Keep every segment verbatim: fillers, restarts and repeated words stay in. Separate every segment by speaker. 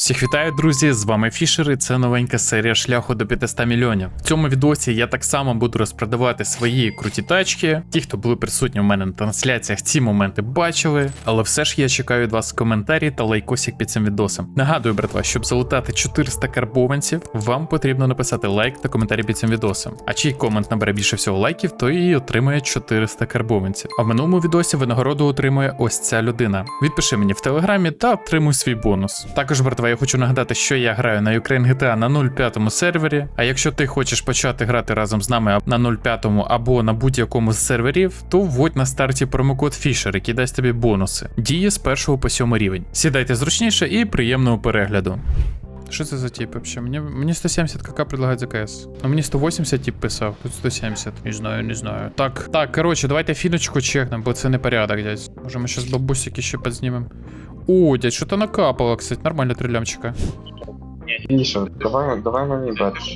Speaker 1: Всіх вітаю, друзі! З вами Фішер і це новенька серія шляху до п'ятисот мільйонів. В цьому відосі я так само буду розпродавати свої круті тачки. Ті, хто були присутні у мене на трансляціях, ці моменти бачили. Але все ж я чекаю від вас коментарі та лайкосик під цим відосом. Нагадую, братва, щоб залутати чотириста карбованців, вам потрібно написати лайк та коментарі під цим відосом. А чий комент набере більше всього лайків, той і отримає чотириста карбованців. А в минулому відосі винагороду отримує ось ця людина. Відпиши мені в телеграмі та отримуй свій бонус. Також, братва, я хочу нагадати, що я граю на Ukraine джі ті ей на нуль п'ятому сервері, а якщо ти хочеш почати грати разом з нами на нуль п'ятому або на будь-якому з серверів, то вводь на старті промокод Fisher, який дасть тобі бонуси. Діє з першого по сьомий рівень. Сідайте зручніше і приємного перегляду. Що це за тип вообще? Мені, мені сто сімдесят КК предлагають за КС. Ну мені сто вісімдесят тип писав, тут сто сімдесят. Не знаю, не знаю. Так, так, коротше, давайте фіночку чекнемо, бо це не порядок, дядь. Може ми зараз бабусики ще підзнімемо. О, дядь, що-то накапало, кстати, нормально три лямчика.
Speaker 2: Міша, давай, давай мені бачиш.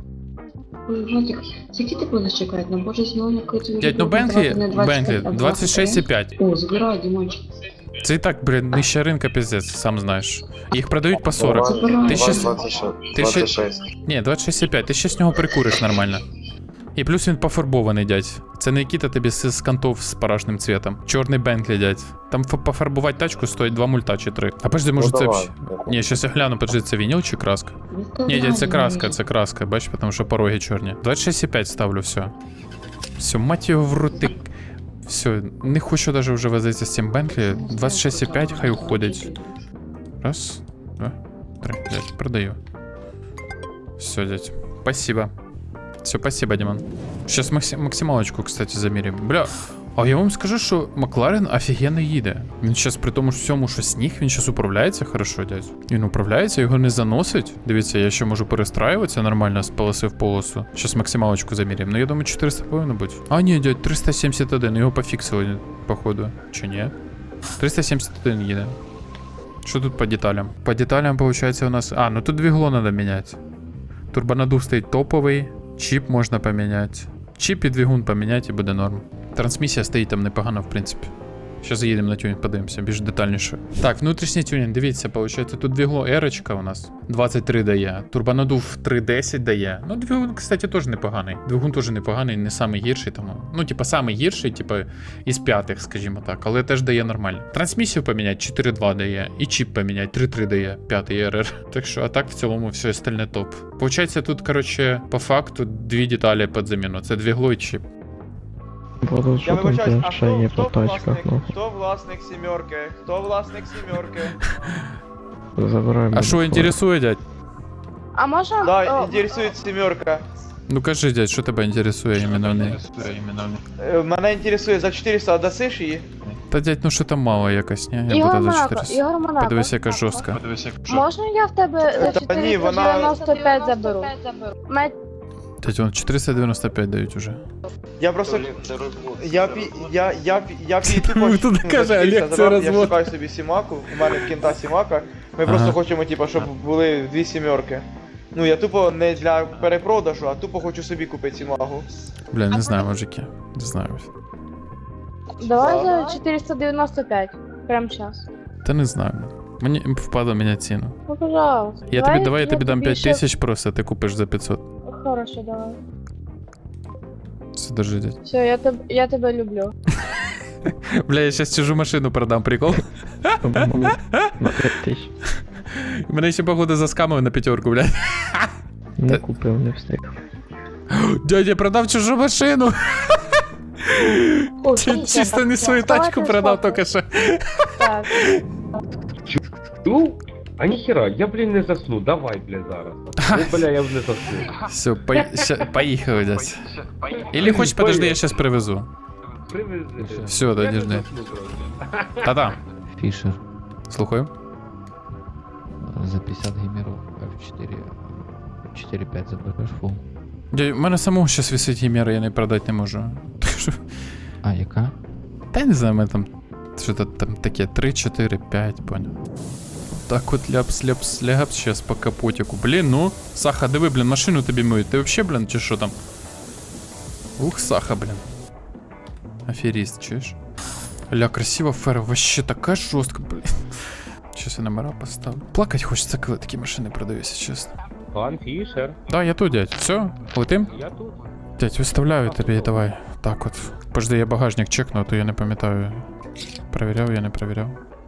Speaker 3: Владик, скільки ти будеш чекати? Ну, боже, знову якийсь...
Speaker 1: Дядь, ну Бентлі, Бентлі, двадцять шість і п'ять.
Speaker 3: О, забирай, Дімончик.
Speaker 1: Це і так, блін, нижча ринка пиздець, сам знаєш. Їх продають по сорок.
Speaker 3: Забирай.
Speaker 1: Ти ще... Ти ще...
Speaker 2: двадцять шість.
Speaker 1: Ні, двадцять шість і п'ять, ти ще з нього прикуриш нормально. І плюс він пофарбований, дядь. Це не Нікіта тобі з, з кантов з парашним цвітом. Чорний Бентлі, дядь. Там пофарбувати тачку стоїть два мульта чи три. А подожди, може
Speaker 2: Ну,
Speaker 1: це...
Speaker 2: давай.
Speaker 1: Ні, щас я гляну, подожди, це вініл чи краска? Ні, дядь, це краска, це краска, бачиш, тому що пороги чорні. двадцять шість і п'ять ставлю, все. Все, мать його в рути. Все, не хочу даже вже возитися з цим Бентлі. двадцять шість і п'ять хай уходить. Раз, два, три, дядь, продаю. Все, дядь, спасибо. Все, спасибо, Димон. Сейчас максим, максималочку, кстати, замірюємо. Бля, а я вам скажу, що Макларен офігенно їде. Він зараз при тому всьому, що сніг, він зараз управляється хорошо, дядь. Він управляється, його не заносить. Дивіться, я ще можу перестраюватися нормально з полоси в полосу. Зараз максималочку замірюємо. Ну, я думаю, чотириста повинно бути. А, ні, дядь, триста сімдесят один, його пофіксили, походу. Чи ні? триста сімдесят один їде. Що тут по деталям? По деталям, виходить, у нас... А, ну тут двигло треба міняти. Турбонадув стоїть топовий. Чіп можна поміняти. Чіп і двигун поміняти і буде норм. Трансмісія стоїть там непогано, в принципі. Зараз заїдемо на тюнінг, подивимося, більш детальніше. Так, внутрішній тюнінг, дивіться, виходить, тут двигло ерочка у нас. двадцять три дає. Турбонадув три десять дає. Ну, двигун, кстати, теж непоганий. Двигун теж непоганий, не самий гірший тому. Ну, типа, самий гірший, типа, із п'ятих, скажімо так, але теж дає нормально. Трансмісію поміняти чотири два дає. І чіп поміняти три три дає, п'ятий ар ар. Так що, а так в цілому все остальне топ. Получається, тут, коротше, по факту дві деталі під заміну. Це двигло і чіп.
Speaker 4: Боже,
Speaker 5: Я
Speaker 4: що там
Speaker 5: вибачаюсь, а
Speaker 4: ще є
Speaker 5: хто,
Speaker 4: по
Speaker 5: хто,
Speaker 4: тачках,
Speaker 5: власник,
Speaker 4: ну.
Speaker 5: хто власник сімерки? Хто власник сімерки?
Speaker 4: Забираємо.
Speaker 1: А що інтересує, дядь?
Speaker 6: А можна?
Speaker 5: Да,
Speaker 6: О,
Speaker 5: інтересує сімерка.
Speaker 1: Ну кажи, дядь, що тебе інтересує іменно в ній?
Speaker 5: Е, Мене інтересує, за чотириста дасиш її?
Speaker 1: Та дядь, ну що там мало якось, ні? Я
Speaker 6: Ігор
Speaker 1: буду за
Speaker 6: Монако,
Speaker 1: чотириста.
Speaker 6: Ігор Монако.
Speaker 1: Подивись, яка жорстка.
Speaker 6: Можна я в тебе за
Speaker 5: Та ні, вона-
Speaker 6: чотириста дев'яносто п'ять заберу? Мать,
Speaker 1: Дядь, вон чотириста дев'яносто п'ять дають уже.
Speaker 5: Я просто... Я пі... Я, я, пі- я пі... тупо...
Speaker 1: Ну, тут
Speaker 5: ну,
Speaker 1: каже,
Speaker 5: за чотириста
Speaker 1: Олег, це
Speaker 5: забрав,
Speaker 1: розвод.
Speaker 5: Я шукаю собі сімаку, у мене в кінта сімака. Ми
Speaker 1: Ага.
Speaker 5: просто хочемо, типу, щоб були дві сімерки. Ну, я тупо не для перепродажу, а тупо хочу собі купити сімагу.
Speaker 1: Бля, не знаю, мужики. Не знаю.
Speaker 6: давай за чотириста дев'яносто п'ять. Прямо зараз.
Speaker 1: Та не знаю. Мені впадло міняти ціну.
Speaker 6: Ну, пожалуйста.
Speaker 1: Я тобі, давай я тобі дам п'ять
Speaker 6: ще-
Speaker 1: тисяч просто, а ти купиш за п'ятсот.
Speaker 6: Хорошо, давай.
Speaker 1: Все, держи, дядь.
Speaker 6: Все, я тебе, я тебе люблю.
Speaker 1: Бля, я сейчас чужу машину продам, прикол.
Speaker 4: На п'ять тисяч.
Speaker 1: Мене ще походу заскамили на п'ятерку, блядь.
Speaker 4: Не купив, не встиг.
Speaker 1: Дядь, я продав чужу машину.
Speaker 6: О,
Speaker 1: Чи-
Speaker 6: дивіться,
Speaker 1: Чисто
Speaker 6: так,
Speaker 1: не свою
Speaker 6: давайте
Speaker 1: тачку продав
Speaker 6: сфоткаю.
Speaker 1: тільки що.
Speaker 6: Так.
Speaker 7: Ну, а ніхера, я, блін, не засну, давай, бля, зараз. Ну, бля, я вже не засну.
Speaker 1: Все, поїхали, дядь. Или хочеш, подожди, я сейчас привезу.
Speaker 7: Привези.
Speaker 1: Все,
Speaker 7: Я
Speaker 1: да,
Speaker 7: не
Speaker 1: держи.
Speaker 7: засну просто.
Speaker 1: Та-та.
Speaker 8: Фишер
Speaker 1: Слухаю.
Speaker 8: за пятьдесят геймеров эф четыре четыре пять заберешь фул.
Speaker 1: Дядь, у мене самого зараз висить гімера, я не продати не можу. Так що...
Speaker 8: А, яка?
Speaker 1: Та я не знаю, у мене там що-то там таке три, чотири, п'ять, понял. Так от ляпс, ляпс, ляпс, сейчас по капотику. Блін, ну, Саха, диви, блін, машину тобі миють. Ти вообще, блін, чи що там? Ух, Саха, блін. Аферіст, чуєш? Ля, красива фера, вообще така жорстка, блін. Щас я номера поставлю. Плакать хочеться, коли такі машини продаються, чесно.
Speaker 7: Пан Фішер,
Speaker 1: Да, я тут, дядь. Все, летим?
Speaker 7: я тут.
Speaker 1: Дядь, виставляю тобі, давай. Так от. Пожди, я багажник чекну, а то я не пам'ятаю. Перевіряв, я не перевіряв.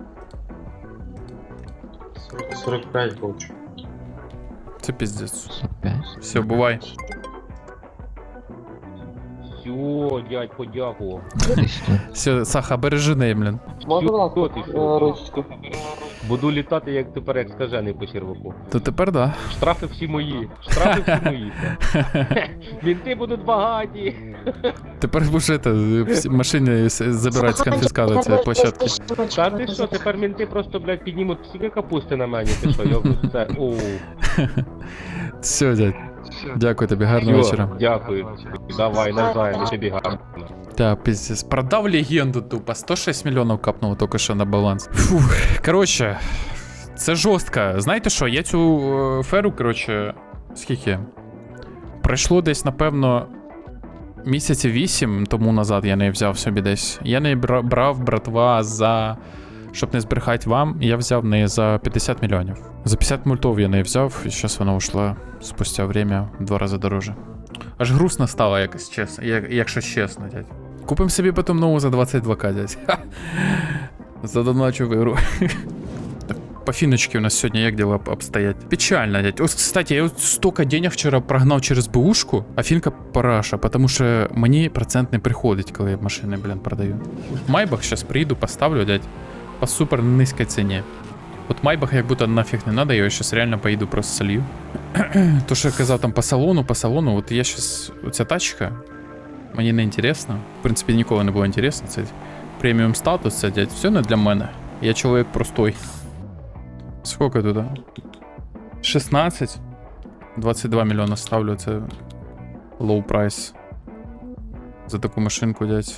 Speaker 2: сорок п'ять хочу.
Speaker 1: Це піздець.
Speaker 8: сорок пять.
Speaker 1: Все, бувай.
Speaker 7: Все, дядь, подякував.
Speaker 1: Все, Саха, бережи неї, блін.
Speaker 5: Можна, будь
Speaker 7: Хто
Speaker 5: ласка,
Speaker 7: ти,
Speaker 5: е,
Speaker 7: що?
Speaker 5: ручку?
Speaker 7: Буду літати, як тепер, як скажений по черваку.
Speaker 1: То тепер да.
Speaker 7: Штрафи всі мої. Штрафи всі мої. Мінти будуть багаті.
Speaker 1: Тепер будеш это, всі машини с- забирати з конфіскату цієї площадки.
Speaker 7: Та ти що, тепер мінти просто, блядь, піднімуть стільки капусти на мені, ти що, йобну, це, оу.
Speaker 1: Все, дядь. Дякую тобі, гарного
Speaker 7: Всьо,
Speaker 1: вечора.
Speaker 7: дякую. Давай, навзаєм, і тобі гарно.
Speaker 1: Да, пиздец. Продав легенду тупо. сто шесть мільйонів капнуло тільки що на баланс. Фух, коротше, це жорстко. Знаєте що, я цю е, феру, коротше, скільки? Пройшло десь, напевно, місяці вісім тому назад я не взяв собі десь. Я не бра- брав, братва, за... Щоб не збрехати вам, я взяв не за п'ятдесят мільйонів. За п'ятдесят мультов я не взяв, і зараз вона ушла спустя время в два рази дороже. Аж грустно стало, якось чесно, як, якщо чесно, дядь. Купим собі потім нову за двадцять два ка, дядь. Ха. Задоначу в ігру. Так, по фіночці у нас сьогодні як діла обстоять? Печально, дядь. Ось, кстати, я от столько денег вчора прогнав через бушку, а фінка параша, тому що мені процент не приходить, коли я машини, блін, продаю. Майбах зараз приїду, поставлю, дядь, по супер низькій ціні. От Майбах як будто нафіг не надо, я його зараз реально поїду просто солью. То, що я казав там по салону, по салону, от я зараз, оця тачка, мені не інтересно. В принципі, ніколи не було інтересно. Це преміум статус, це, дядь, все не для мене. Я чоловік простой. Скільки тут? шістнадцять? двадцять два мільйона ставлю, це low price. За таку машинку, дядь.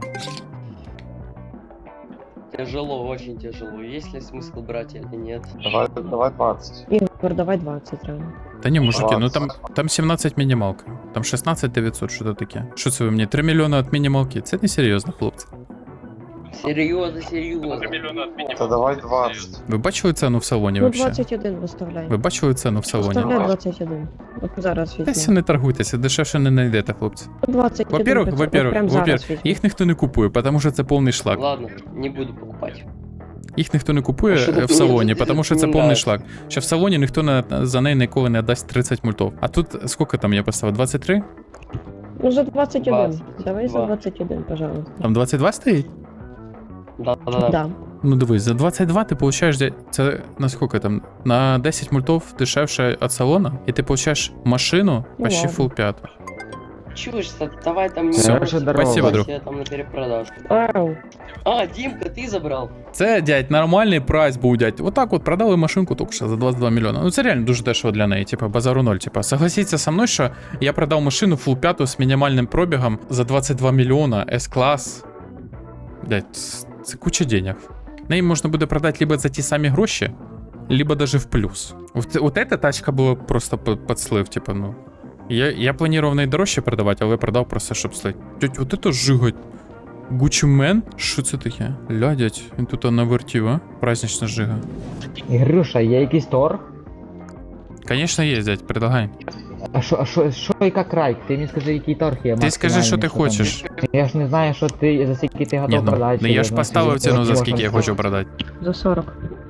Speaker 9: Тяжело, очень тяжело. Есть ли смысл брать или нет?
Speaker 2: Давай, давай двадцять.
Speaker 6: Ігор, давай двадцять реально.
Speaker 1: Та ні, мужики, ну там,
Speaker 2: двадцять.
Speaker 1: там сімнадцять мінімалка. Там шістнадцять дев'ятсот, що то таке. Що це ви мені? три мільйони від мінімалки? Це не серйозно, хлопці.
Speaker 9: Серьезно, серьезно.
Speaker 2: Та давай двадцять.
Speaker 1: Ви бачили ціну в салоні
Speaker 6: Ну,
Speaker 1: взагалі?
Speaker 6: двадцять один виставляй.
Speaker 1: Ви бачили ціну в салоні?
Speaker 6: Виставляй двадцять один. От зараз
Speaker 1: Десь
Speaker 6: візьму.
Speaker 1: не торгуйтеся, дешевше не знайдете, хлопці.
Speaker 6: двадцять один.
Speaker 1: Во-первых,
Speaker 6: от
Speaker 1: во-первых,
Speaker 6: прям зараз
Speaker 1: во-первых,
Speaker 6: візьму.
Speaker 1: їх ніхто не купує, тому що це повний шлак.
Speaker 9: Ладно, не буду покупать.
Speaker 1: Їх ніхто не купує
Speaker 9: А що
Speaker 1: е,
Speaker 9: ти
Speaker 1: в салоні,
Speaker 9: мені
Speaker 1: тому що
Speaker 9: не
Speaker 1: це повний
Speaker 9: нравиться?
Speaker 1: шлак. Що в салоні ніхто не, за неї ніколи не дасть тридцять мультов. А тут скільки там я поставив? двадцять три?
Speaker 6: Ну, за двадцять один.
Speaker 9: двадцять
Speaker 6: Давай за
Speaker 9: два.
Speaker 6: двадцять один, пожалуйста.
Speaker 1: Там двадцять два стоїть?
Speaker 9: Да, да, да.
Speaker 6: Да.
Speaker 1: Ну дивись, за двадцять два ти получаєш, де- це на скільки там? На десять мультов дешевше від салона, і ти получаєш машину
Speaker 6: Ну
Speaker 1: почти
Speaker 6: ладно.
Speaker 1: full п'яту.
Speaker 9: Чушь, давай там не
Speaker 1: Всё,
Speaker 9: бросай,
Speaker 1: спасибо, друг.
Speaker 9: я там на перепродажу.
Speaker 6: Ау.
Speaker 9: А, Димка, ты забрал?
Speaker 1: Це, дядь, нормальний прайс був, дядь. Отак от продали машинку тільки що за двадцять два мільйони. Ну це реально дуже дешево для неї, типа базару ноль. Типа, согласіться со мною, що я продав машину full п'яту з мінімальним пробігом за двадцять два мільйона, С-клас. Дядь, це куча денег. Неї можна буде продати либо за ті самі гроші, либо даже в плюс. От, от эта тачка була просто під, під слив, типа, ну. Я, я планував неї дорожче продавати, але продав просто, щоб слить. Дядь, от это жигать. Gucci Man? Що це таке? Ля, дядь, він тут навертів, а? Празднична жига.
Speaker 10: Ігрюша, є якийсь торг?
Speaker 1: Конечно, є, дядь, предлагай.
Speaker 10: А що, а що, що яка крайк? Ти мені скажи, який торг є.
Speaker 1: Ти скажи, що ти
Speaker 10: максимальний,
Speaker 1: хочеш.
Speaker 10: там. Я ж не знаю, що ти, за скільки ти
Speaker 1: Ні,
Speaker 10: готов
Speaker 1: ну,
Speaker 10: продати.
Speaker 1: ну я ж
Speaker 10: ну,
Speaker 1: поставив
Speaker 10: скажи,
Speaker 1: ціну, за
Speaker 10: який
Speaker 1: скільки я
Speaker 10: можна
Speaker 1: хочу продати.
Speaker 6: За сорок.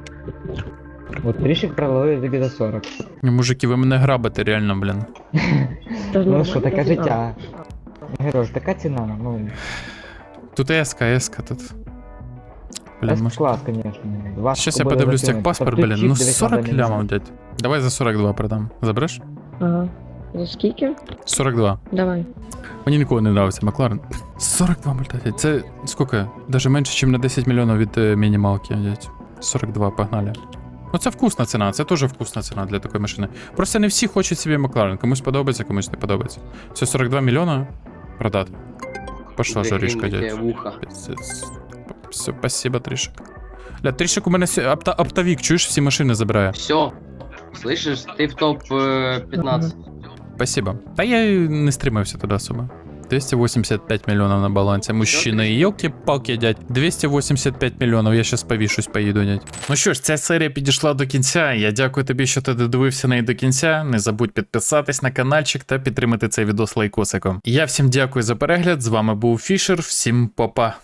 Speaker 10: От трішки продали тобі за сорок.
Speaker 1: Ні, мужики, ви мене грабите, реально, блін.
Speaker 10: Ну що, таке життя. Герош, така ціна, ну,
Speaker 1: Тут еска, еска, тут. Блін, може...
Speaker 10: клас, звісно. Вас
Speaker 1: Щас я
Speaker 10: буде
Speaker 1: подивлюсь
Speaker 10: закинуть.
Speaker 1: техпаспорт,
Speaker 10: Тобто
Speaker 1: блін.
Speaker 10: чіп
Speaker 1: Ну
Speaker 10: дивись,
Speaker 1: сорок
Speaker 10: надо не
Speaker 1: лямов,
Speaker 10: знати.
Speaker 1: дядь. Давай за сорок два продам. Забереш?
Speaker 6: Ага. За скільки?
Speaker 1: сорок два.
Speaker 6: Давай.
Speaker 1: Мені ніколи не нравиться Макларен. сорок два мульта, дядь. Це скільки? Даже менше, ніж на десять мільйонів від е, мінімалки, дядь. сорок два, погнали. Ну це вкусна ціна, це теж вкусна ціна для такої машини. Просто не всі хочуть собі Макларен. Комусь подобається, комусь не подобається. Це сорок два мільйона продати. Пошла жаришка,
Speaker 9: Длинненькое
Speaker 1: дядь.
Speaker 9: вухо.
Speaker 1: Пиздец. Все, спасибо, Тришек. Бля, Тришек у мене сьо- опта, оптовик, чуєш, всі машини забирає.
Speaker 9: Все. Слышишь, ты в топ э, пятнадцать.
Speaker 1: Спасибо. Та я й не стримався туди особо. двести восемьдесят пять миллионов на балансі. Мужчини, йолки-палки, дядь. двести восемьдесят пять мільйонів, я щас повішусь, поїду, дядь. Ну що ж, ця серія підійшла до кінця. Я дякую тобі, що ти додивився неї до кінця. Не забудь підписатись на каналчик та підтримати цей відос лайкосиком. Я всім дякую за перегляд. З вами був Фішер. Всім па-па.